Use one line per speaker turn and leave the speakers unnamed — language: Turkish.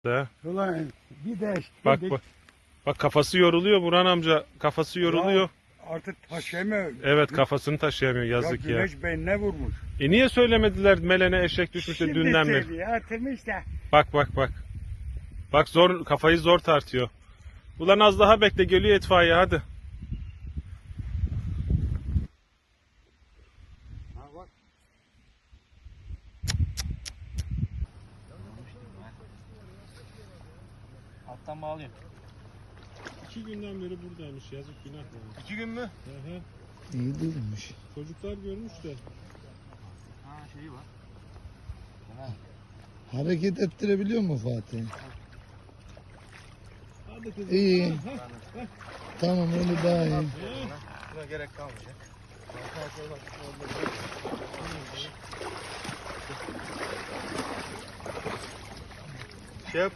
De.
Ulan bir de
Bak bak. Bak kafası yoruluyor Burhan amca. Kafası yoruluyor.
artık taşıyamıyor.
Evet kafasını taşıyamıyor
Ya
yazık ya.
güneş beynine vurmuş.
Niye söylemediler Melen'e eşek düşmüş de dünden beri?
söylüyor atılmış da.
Bak bak bak. Bak zor kafayı zor tartıyor. Ulan az daha bekle geliyor itfaiye hadi.
Ha bak.
Alttan bağlayayım.
2 günden beri buradaymış yazık günah.
2 gün mü?
Hı hı.
İyi değilmiş.
Çocuklar görmüş de.
Ha şeyi var.
Hareket ettirebiliyor mu Fatih?
Hadi kızım.
İyi. Tamam öyle daha iyi.
Buna gerek kalmayacak.